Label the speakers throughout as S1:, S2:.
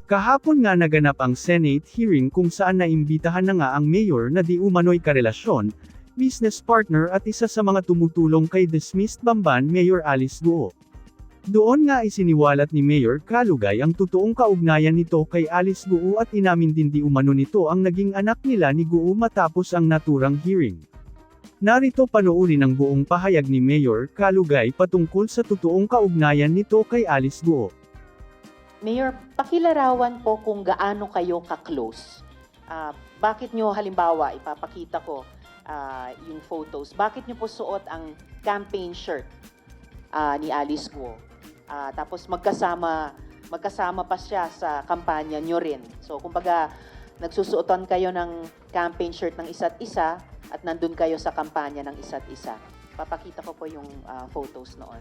S1: Kahapon nga naganap ang Senate hearing kung saan naimbitahan na nga ang mayor na di umano'y karelasyon, business partner at isa sa mga tumutulong kay dismissed Bamban Mayor Alice Guo. Doon nga isiniwalat ni Mayor Kalugay ang totoong kaugnayan nito kay Alice Guo at inamin din di umano nito ang naging anak nila ni Guo matapos ang naturang hearing. Narito panoorin ang buong pahayag ni Mayor Kalugay patungkol sa totoong kaugnayan nito kay Alice Guo.
S2: Mayor, pakilarawan po kung gaano kayo ka-close. Bakit nyo halimbawa, ipapakita ko yung photos, bakit nyo po suot ang campaign shirt ni Alice Guo? Tapos magkasama pa siya sa kampanya nyo rin. So kumbaga, nagsusuotan kayo ng campaign shirt ng isa't isa at nandun kayo sa kampanya ng isa't isa. Papakita ko po yung photos noon.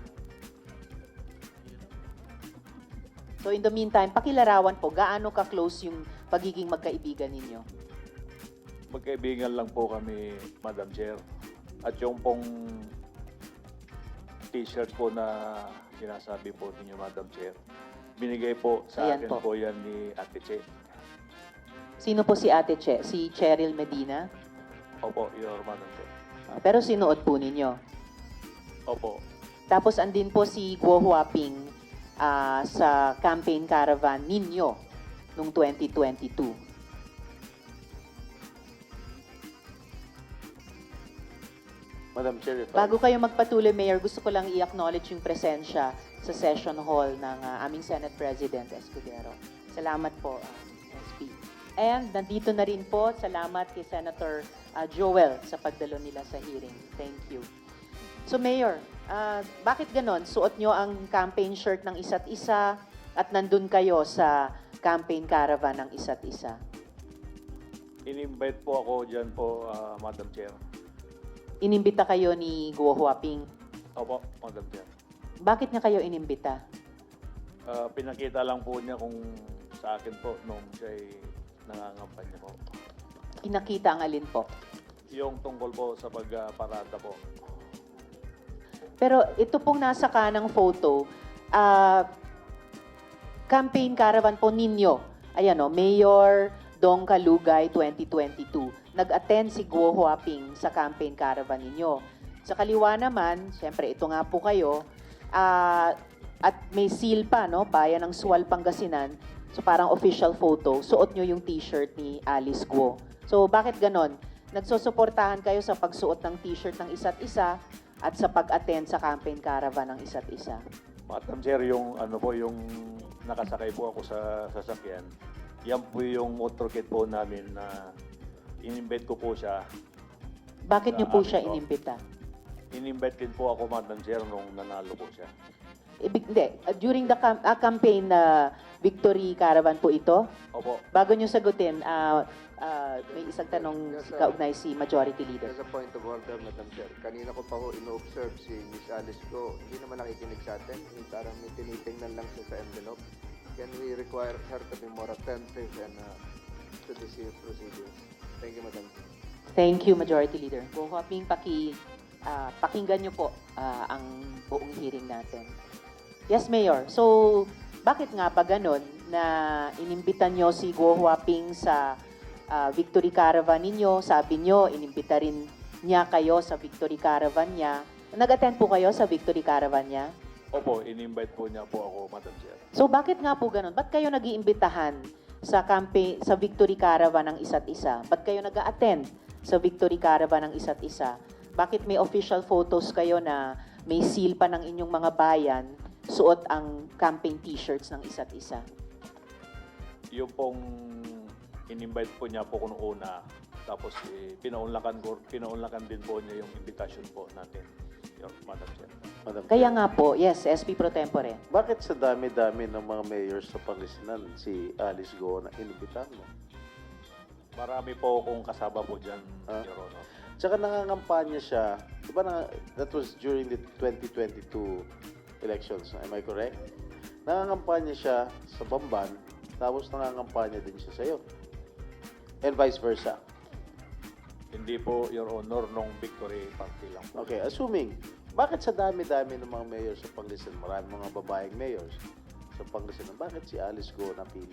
S2: So in the meantime, pakilarawan po, gaano ka-close yung pagiging magkaibigan ninyo?
S3: Magkaibigan lang po kami, Madam Chair. At yung pong t-shirt po na sinasabi po ninyo, Madam Chair, binigay po sa
S2: Ayan
S3: akin
S2: po.
S3: po yan ni Ate Che.
S2: Sino po si Ate Che? Si Cheryl Medina?
S3: Opo, Your Madam Chair.
S2: Pero sinuot po ninyo.
S3: Opo.
S2: Tapos andin po si Guo Huaping sa campaign caravan ninyo noong 2022.
S4: Madam Chair, if
S2: Bago kayo magpatuloy, Mayor, gusto ko lang i-acknowledge yung presensya sa session hall ng aming Senate President Escudero. Salamat po, SP. And nandito na rin po, salamat kay Senator Joel sa pagdalo nila sa hearing. Thank you. So Mayor, bakit ganon? Suot nyo ang campaign shirt ng isa't isa at nandun kayo sa campaign caravan ng isa't isa.
S3: In-invite po ako dyan po, Madam Chair.
S2: Inimbita kayo ni Guo Huaping.
S3: Opo, Madam Chair.
S2: Bakit niya kayo inimbita?
S3: Pinakita lang po niya kung sa akin po nung siya'y nangangampanya po.
S2: Pinakita ang alin po?
S3: Yung tungkol po sa pagparada po.
S2: Pero ito pong nasa kanang photo, campaign caravan po ninyo. Ayan o, Mayor Dong Kalugay 2022. Nag-attend si Guo Huaping sa campaign caravan ninyo. Sa kaliwa naman, syempre ito nga po kayo, at may seal pa, no? Bayan ng Sual, Pangasinan. So parang official photo, suot nyo yung t-shirt ni Alice Guo. So bakit ganon? Nagsusuportahan kayo sa pagsuot ng t-shirt ng isa't isa at sa pag-attend sa campaign caravan ng isa't isa.
S3: Madam Chair, yung ano po, yung nakasakay po ako sa sasakyan, yan po yung motorcade po namin na in-invite ko po siya.
S2: Bakit nyo po
S3: Amin
S2: siya
S3: po.
S2: inimbita?
S3: In-invite din po ako, Madam Chair, nung nanalo po siya.
S2: Hindi. During the campaign na Victory Caravan po ito,
S3: Opo.
S2: bago nyo sagutin, may isang tanong kaugnay si Majority Leader.
S5: As a point of order, Madam Chair, kanina ko pa ho ino-observe si Miss Alice Go, hindi naman nakikinig sa atin, parang may tinitingnan lang siya sa envelope. Can we require her to be more attentive and to this proceedings? Thank you, Madam Chair.
S2: Thank you, Majority Leader. Kung hoping pakinggan nyo po ang buong hearing natin. Yes, Mayor. So, bakit nga ba ganon na inimbitan nyo si Guo Huaping sa Victory Caravan ninyo? Sabi nyo, inimbita rin niya kayo sa Victory Caravan niya. Nag-attend po kayo sa Victory Caravan niya?
S3: Opo, in-invite po niya po ako, Madam Chair.
S2: So, bakit nga po ganon? Ba't kayo nag-iimbitahan sa Victory Caravan ng isa't isa? Ba't kayo nag-attend sa Victory Caravan ng isa't isa? Bakit may official photos kayo na may seal pa ng inyong mga bayan, suot ang campaign t-shirts ng isa't isa?
S3: Yung pong in-invite po niya po kung una, tapos pinaunlakan din po niya yung invitation po natin, yung Madam Chair.
S4: Madam
S2: Kaya
S4: Chair,
S2: nga po, yes, SP Pro Tempore.
S4: bakit sa dami-dami ng mga mayors sa Pangasinan si Alice Go na inibitahan mo?
S3: Marami po akong kasama po dyan,
S4: Ah.
S3: Your Honor.
S4: Tsaka nangangampanya siya, di ba that was during the 2022 elections, am I correct? Nangangampanya siya sa Bamban, tapos nangangampanya din siya sa'yo. And vice versa.
S3: Hindi po, Your Honor, nung Victory Party lang po.
S4: Okay, assuming, bakit sa dami-dami ng mga mayors sa Pangasinan, marami mga babaeng mayors, sa Pangasinan. Bakit si Alice Go napili?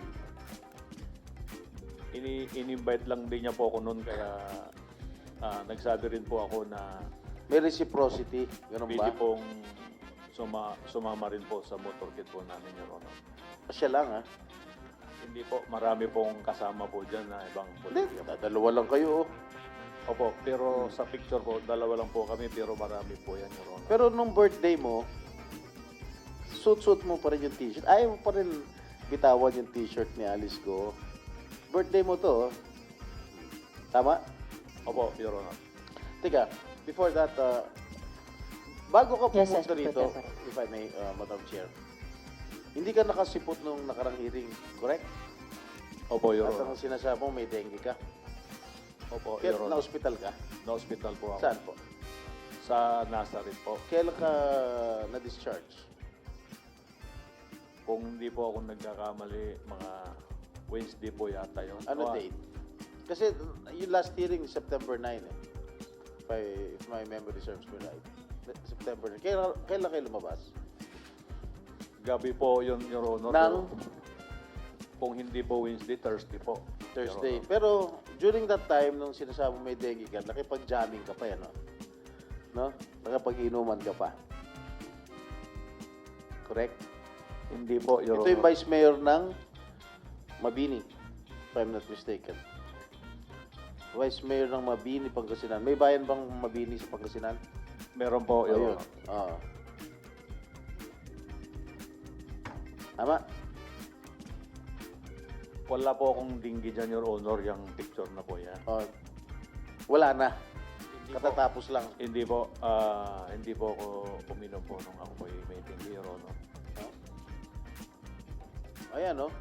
S3: In-invite lang din niya po ako noon, kaya nagsabi rin po ako na
S4: May reciprocity, ganun ba?
S3: pwede pong sumama rin po sa motorcade po namin, Your Honor.
S4: Siya lang, ha?
S3: Hindi po, marami pong kasama po dyan na ibang
S4: Hindi,
S3: politika.
S4: dalawa lang kayo, oh.
S3: Opo, pero sa picture po, dalawa lang po kami, pero marami po yan, Your Honor.
S4: Pero nung birthday mo, suit-suit mo pa rin yung t-shirt. Ayaw mo pa rin bitawan yung t-shirt ni Alice Go. Birthday mo to, oh. Tama?
S3: Opo, Your Honor.
S4: Teka, before that, bago ka
S2: Yes,
S4: pumunta
S2: yes,
S4: rito,
S2: Secretary.
S4: if I may, Madam Chair, hindi ka nakasipot nung nakarang hearing, correct?
S3: Opo, Your
S4: At ang
S3: Honor.
S4: sinasabi mo, may dengue ka.
S3: Opo,
S4: Kaya
S3: Your Honor.
S4: na-hospital ka.
S3: Na-hospital po ako.
S4: Saan po?
S3: Sa Nazareth po.
S4: Kailan ka na-discharge?
S3: Kung hindi po ako nagkakamali, mga Wednesday po yata yun.
S4: Ano date? Kasi yung last hearing, September 9 eh. If my memory serves me right. September 9. Kailan kayo lumabas?
S3: Gabi po yun, Your Honor.
S4: Nang
S3: Kung hindi po Wednesday, Thursday po.
S4: Thursday.
S3: Your Honor.
S4: Pero during that time, nung sinasabi mo may dengue ka, nakipag-jamming ka pa yan, no? No? Nakapag-inuman ka pa. Correct?
S3: Hindi po, Your
S4: Ito yung
S3: Honor.
S4: Vice Mayor ng Mabini, if I'm not mistaken. Vice Mayor ng Mabini, Pangasinan. May bayan bang Mabini sa Pangasinan?
S3: Meron po, Your
S4: Ayun.
S3: Honor.
S4: Oo. Tama?
S3: Wala po akong dinggi dyan, Your Honor, yung picture na po yan.
S4: Oh. Wala na.
S3: Hindi po,
S4: Katatapos lang.
S3: hindi po ako uminom po nung ako po may dinggi, Your Honor.
S4: Ayan, no?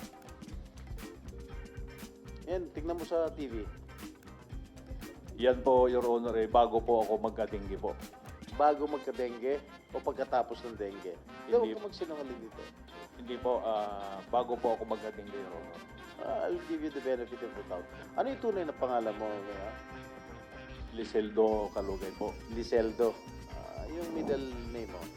S4: Yan, tignan mo sa TV.
S3: Yan po, Your Honor, bago po ako magka-dinggi po.
S4: Bago magka-dengue o pagkatapos ng dengue. Hindi, huwag
S3: Hindi.
S4: ka magsinungaling dito.
S3: Hindi po, bago po ako magka-dinggi, Your Honor.
S4: I'll give you the benefit of the doubt. Ano yung tunay na pangalan mo?
S3: Liseldo Kalugay po.
S4: Liseldo. Yung middle name mo.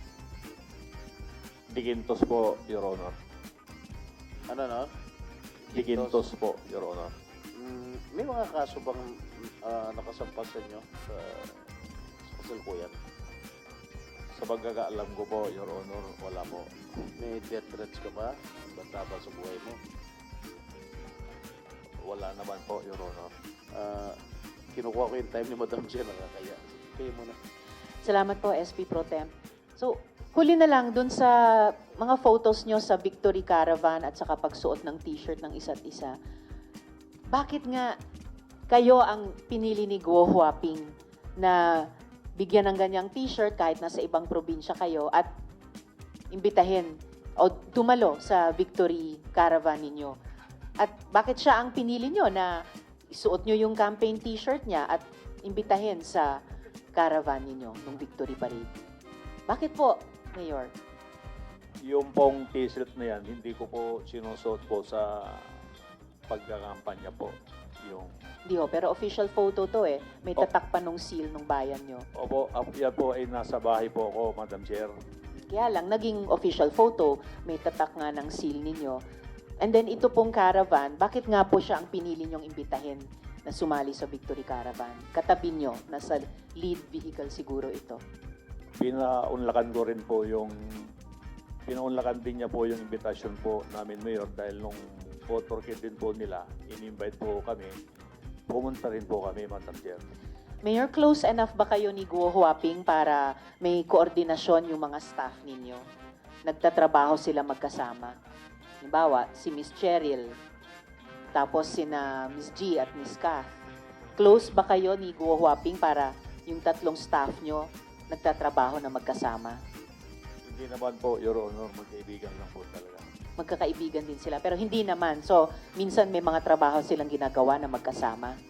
S3: Digintos po, Your Honor.
S4: Ano, no?
S3: Digintos po, Your Honor.
S4: May mga kaso bang nakasampas sa inyo sa kasalukuyan?
S3: Sa pagkakaalam ko po, Your Honor, wala po.
S4: May death threats ka ba? Basta ba sa buhay mo?
S3: Wala naman po, Your Honor.
S4: Kinukuha ko yung time ni Madam Chair, nakakaya. Kayo muna.
S2: Salamat po, SP Pro Temp. So, huli na lang dun sa mga photos nyo sa Victory Caravan at saka pagsuot ng t-shirt ng isa't isa. Bakit nga kayo ang pinili ni Guo Huaping na bigyan ng ganyang t-shirt kahit nasa ibang probinsya kayo at imbitahin o tumalo sa Victory Caravan ninyo? At bakit siya ang pinili nyo na isuot nyo yung campaign t-shirt niya at imbitahin sa caravan ninyo ng Victory Parade? Bakit po, Mayor?
S3: Yung pong t-shirt na yan, hindi ko po sinusuot po sa pagkakampanya po. Yung,
S2: Di ho, pero official photo to eh. May
S3: Oh.
S2: tatak pa nung seal nung bayan nyo.
S3: opo, yan po ay nasa bahay po ako, Madam Chair.
S2: Kaya lang, naging official photo, may tatak nga ng seal ninyo. And then ito pong caravan, bakit nga po siya ang pinili nyong imbitahin na sumali sa Victory Caravan? Katabi nyo, nasa lead vehicle siguro ito.
S3: Pinaunlakan ko rin po yung, pinaunlakan din niya po yung invitation po namin, Mayor, dahil nung motorcade din po nila, in-invite po kami, pumunta rin po kami, Madam Chair.
S2: Mayor, close enough ba kayo ni Guo Huaping para may koordinasyon yung mga staff ninyo? Nagtatrabaho sila magkasama. Halimbawa, si Miss Cheryl, tapos sina Miss G at Miss Kath. Close ba kayo ni Guo Huaping para yung tatlong staff nyo nagtatrabaho na magkasama?
S3: Hindi naman po, Your Honor, magkaibigan lang po talaga.
S2: Magkakaibigan din sila, pero hindi naman. So, minsan may mga trabaho silang ginagawa na magkasama.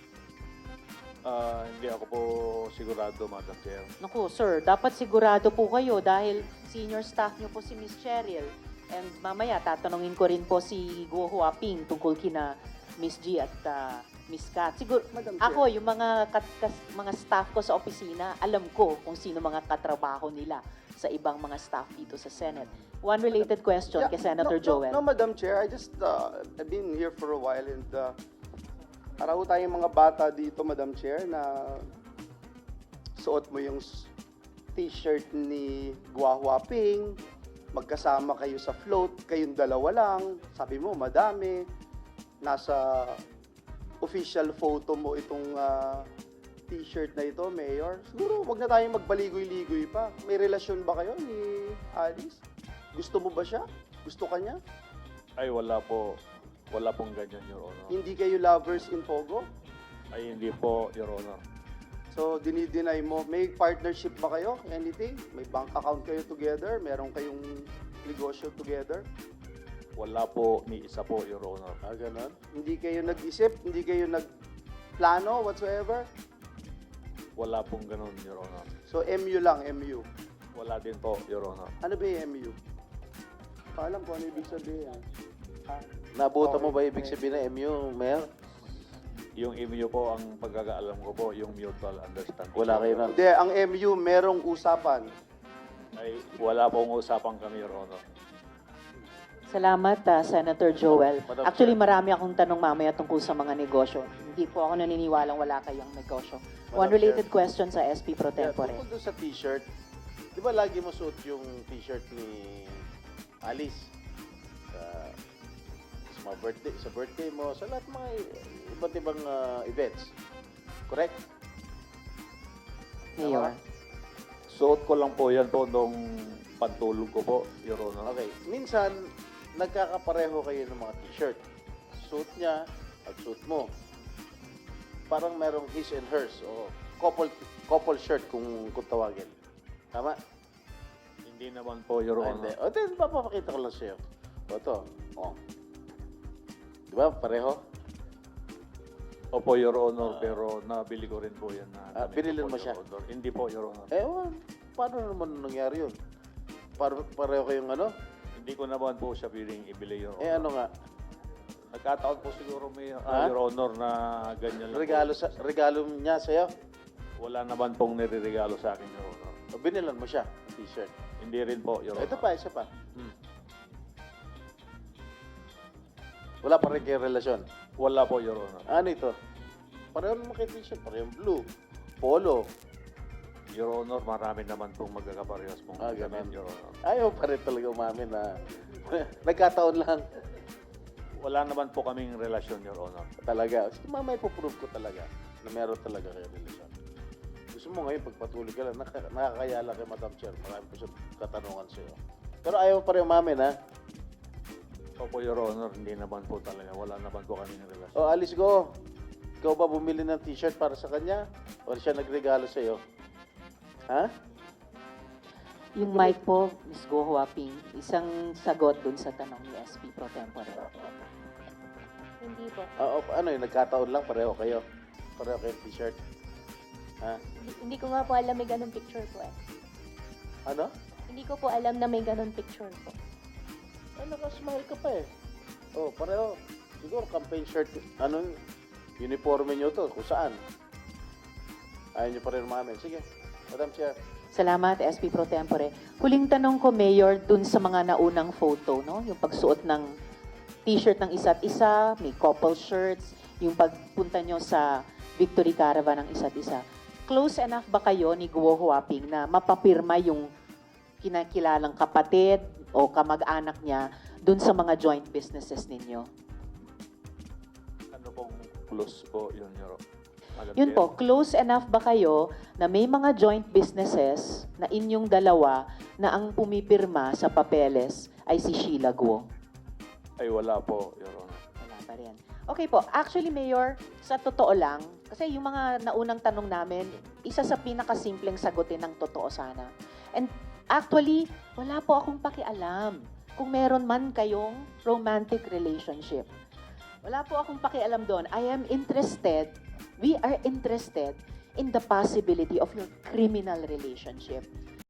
S3: Hindi ako po sigurado, Madam Chair.
S2: Naku, sir, dapat sigurado po kayo dahil senior staff nyo po si Miss Cheryl. And mamaya, tatanungin ko rin po si Guo Huaping tungkol kina Miss G at Miss Kat. Siguro, ako, yung mga staff ko sa opisina, alam ko kung sino mga katrabaho nila sa ibang mga staff dito sa Senate. One related question
S6: Yeah,
S2: kay Senator Joel.
S6: No, Madam Chair, I've been here for a while and para ho tayong mga bata dito, Madam Chair, na suot mo yung t-shirt ni Gua Huaping, magkasama kayo sa float, kayong dalawa lang, sabi mo, madami, nasa official photo mo itong t-shirt na ito, Mayor. Siguro, wag na tayong magbaligoy-ligoy pa. May relasyon ba kayo ni Alice? Gusto mo ba siya? Gusto ka niya?
S3: Ay, wala po. Wala pong ganyan, Your Honor.
S6: Hindi kayo lovers in Pogo?
S3: Ay, hindi po, Your Honor.
S6: So, dinideny mo. May partnership ba kayo? Anything? May bank account kayo together? Meron kayong negosyo together?
S3: Wala po, ni isa po, Your Honor.
S4: Ganon?
S6: Hindi kayo nag-isip? Hindi kayo nagplano whatsoever?
S3: Wala pong ganun, Your Honor.
S6: So, MU lang, MU.
S3: Wala din po, Your Honor.
S6: Ano ba yung MU? Alam ko ano ibig sabihin.
S4: Nabuta mo ba ibig sabihin na MU, Mayor?
S3: Yung MU po, ang pagkakaalam ko po, yung mutual understanding.
S4: Wala kayo na.
S6: Hindi, ang MU merong usapan.
S3: Ay, wala pong usapan kami, Your Honor.
S2: Salamat, Senator Joel.
S4: Madam
S2: Actually,
S4: Chair.
S2: marami akong tanong mamaya tungkol sa mga negosyo. Hindi po ako naniniwalang wala kayong negosyo. One
S4: Madam
S2: related
S4: Chair.
S2: question sa SP Pro Tempore.
S4: Tungkol doon sa t-shirt, di ba lagi mo suot yung t-shirt ni Alice? Sa mga birthday, sa birthday mo, sa lahat mga iba't ibang events. Correct?
S2: Mayor.
S3: Suot ko lang po yan po nung pantulog ko po, Your Honor.
S4: Okay. Minsan, nagkakapareho kayo ng mga t-shirt. Suit niya at suit mo. Parang merong his and hers o couple shirt kung tawagin. Tama?
S3: Hindi naman po, Your
S4: Hindi.
S3: Honor.
S4: O, then, papapakita ko lang sa'yo. O, ito. O. Di ba? Pareho?
S3: Opo, Your Honor, pero nabili ko rin po yan. Na damit
S4: binilin
S3: po,
S4: mo siya?
S3: Your Honor. Hindi po, Your Honor.
S4: Paano naman nangyari yun? Pareho kayong ano?
S3: Hindi ko naman po siya piling ibili, Your Honor.
S4: Ano nga?
S3: Nagkataon po siguro may,
S4: Ha?
S3: Your Honor, na ganyan lang po.
S4: Regalo niya sa'yo?
S3: Wala naman pong nireregalo sa akin, Your Honor.
S4: O, binilan mo siya, ng t-shirt.
S3: Hindi rin po, Your Honor.
S4: Ito pa, isa pa.
S3: Hmm.
S4: Wala pa rin kayong relasyon.
S3: Wala po, Your Honor.
S4: Ano ito? Pareho naman kayo t-shirt. Pareho blue. Polo.
S3: Your Honor, marami naman pong magkakaparehas pong
S4: Ganun.
S3: gamit, Your Honor.
S4: Ayaw pa rin talaga umamin na nagkataon lang
S3: Wala naman po kaming relasyon, Your Honor.
S4: talaga. Sige, mamaya ipoprove ko talaga na meron talaga kayo relasyon. Gusto mo ngayon, pagpatuloy ka lang, nakakaya lang kay Madam Chair. Marami po siya katanungan sa'yo. Pero ayaw pa rin umamin, ha?
S3: Opo, Your Honor, hindi naman po talaga. Wala naman po kaming relasyon.
S4: O, Alice Go. Ikaw ba bumili ng t-shirt para sa kanya? O siya nagregalo sa'yo? Ha?
S2: Yung mic po, Ms. Go Huaping, isang sagot dun sa tanong ni SP Pro Tempore.
S7: Hindi po.
S4: Ano yun, nagkataon lang, pareho kayo. Pareho kayong t-shirt. Ha?
S7: Hindi ko nga po alam may ganun picture po eh.
S4: Ano?
S7: Hindi ko po alam na may ganun picture po.
S4: Nakasmile ka pa eh. Oh, pareho. Siguro campaign shirt. Ano, uniforme nyo to, kung saan. Ayaw nyo pa rin umamin. Sige, Madam Chair.
S2: Salamat, SP Pro Tempore. Huling tanong ko, Mayor, dun sa mga naunang photo, no? Yung pagsuot ng t-shirt ng isa't isa, may couple shirts, yung pagpunta nyo sa Victory Caravan ng isa't isa. Close enough ba kayo ni Guo Huaping na mapapirma yung kinakilalang kapatid o kamag-anak niya dun sa mga joint businesses ninyo?
S3: Ano pong close po yun, Your Honor?
S2: Yun po, close enough ba kayo na may mga joint businesses na inyong dalawa na ang pumipirma sa papeles ay si Sheila Guo?
S3: Ay, wala po, Your Honor.
S2: Wala pa rin. Okay po, actually Mayor, sa totoo lang, kasi yung mga naunang tanong namin, isa sa pinakasimpleng sagutin ng totoo sana. And actually, wala po akong pakialam kung meron man kayong romantic relationship. Wala po akong pakialam doon. We are interested in the possibility of your criminal relationship.